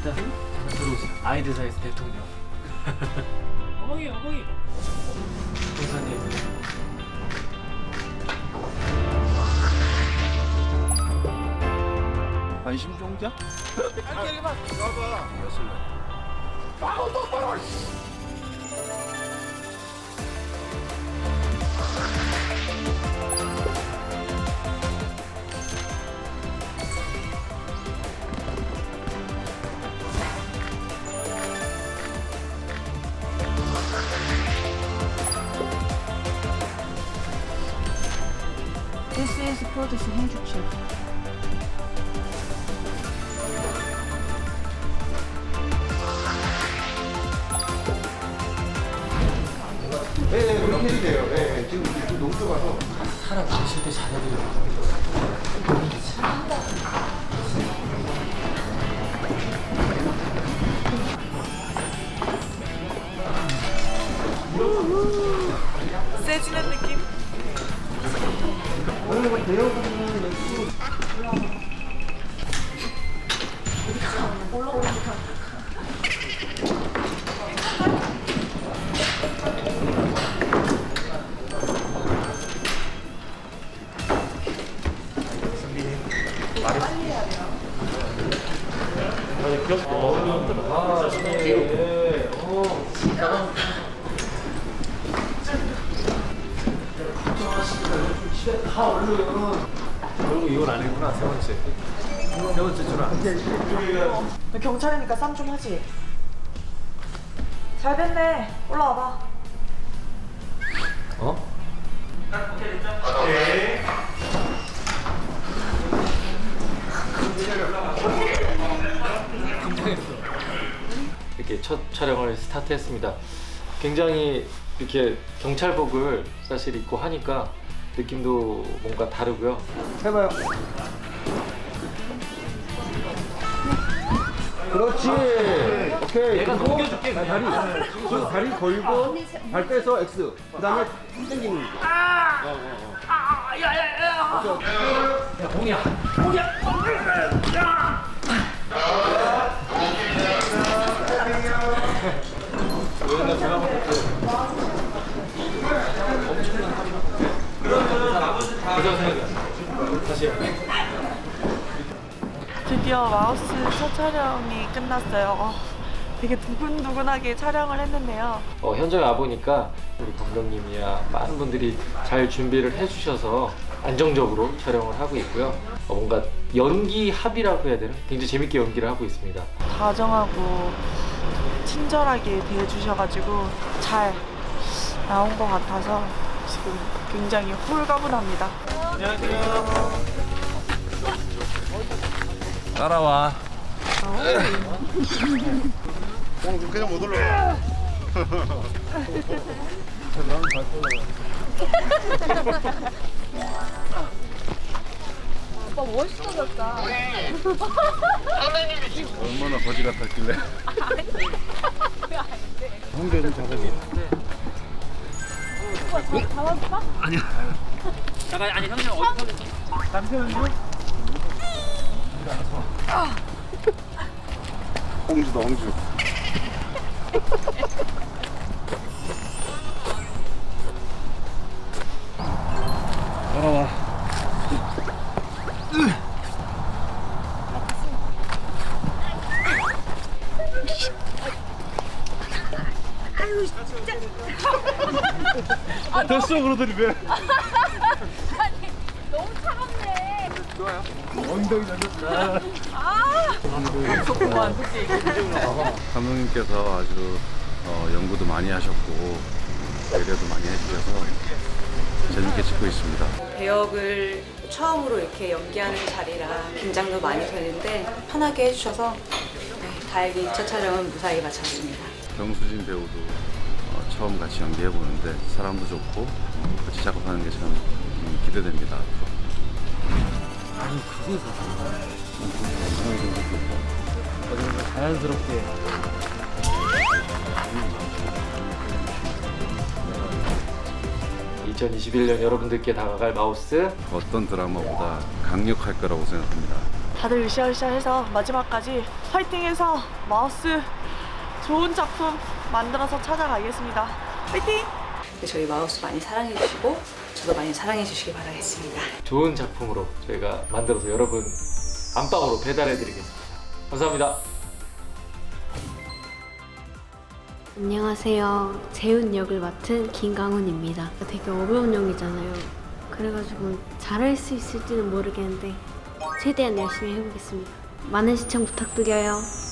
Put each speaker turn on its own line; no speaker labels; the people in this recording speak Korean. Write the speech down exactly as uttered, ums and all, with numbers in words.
자, 잠깐 들어오세요. 아이들 사이에서 대통령. 어머니, 어머니. 공사님.
관심종자?
빨리 봐.
봐봐.
아우 똑바로.
This is produce handkerchief.
네, 네, 그렇게 해도 돼요. 네, 네. 지금 이제 농도 가서.
사람 계실 때 잘해드려요.
세지는 느낌?
다 얼른. 그리고 이건 아니구나, 세 번째. 세 번째 줄 안.
경찰이니까 쌈 좀 하지. 잘 됐네. 올라와봐.
어? 긴장했어. 이렇게 첫 촬영을 스타트했습니다. 굉장히 이렇게 경찰복을 사실 입고 하니까 느낌도 뭔가 다르고요.
해봐요. 그렇지. 오케이.
내가
그리고
넘겨줄게,
자, 다리.
그냥.
그 다리 걸고 발 빼서 X. 그 다음에 당기는. 아! 어, 어, 어. 아! 야야야!
야, 공이야. 공이야. 여기가 제가 봤을 때 엄청난 합의가 그저 생각이야. 다시 해.
드디어 마우스 첫 촬영이 끝났어요. 어, 되게 두근두근하게 촬영을 했는데요.
어, 현장에 와보니까 우리 감독님이야 많은 분들이 잘 준비를 해주셔서 안정적으로 촬영을 하고 있고요. 어, 뭔가 연기 합이라고 해야 되나? 굉장히 재밌게 연기를 하고 있습니다.
다정하고 친절하게 대해주셔가지고 잘 나온 것 같아서 지금 굉장히 홀가분합니다.
따라와.
그냥 못 올라가.
오빠 멋있어졌다.
얼마나 거지 같았길래. 홍대 좀 잡아줘.
오빠 잡았어?
잠깐, 아니 형님 어디
남편은요? 홍주다 홍주. 따라와.
아유 진짜.
됐어 그러더니 왜?
아니 너무 차갑네.
좋아요. 엉덩이 날렸어.
아. 그만.
감독님께서 아주 어, 연구도 많이 하셨고 배려도 많이 해주셔서 재밌게 찍고 있습니다.
배역을 처음으로 이렇게 연기하는 자리라 긴장도 많이 되는데 편하게 해주셔서 네, 다행히 첫 촬영은 무사히 마쳤습니다.
정수진 배우도 어, 처음 같이 연기해보는데 사람도 좋고 어, 같이 작업하는 게 참 음, 기대됩니다.
아니 그게 어딘가 자연스럽게 이천이십일 년 여러분들께 다가갈 마우스
어떤 드라마보다 강력할 거라고 생각합니다.
다들 으쌰으쌰해서 마지막까지 파이팅해서 마우스 좋은 작품 만들어서 찾아가겠습니다. 파이팅!
저희 마우스 많이 사랑해 주시고 저도 많이 사랑해 주시기 바라겠습니다.
좋은 작품으로 저희가 만들어서 여러분 안방으로 배달해 드리겠습니다. 감사합니다.
안녕하세요. 재훈 역을 맡은 김강훈입니다. 되게 어려운 역이잖아요. 그래가지고 잘할 수 있을지는 모르겠는데 최대한 열심히 해보겠습니다. 많은 시청 부탁드려요.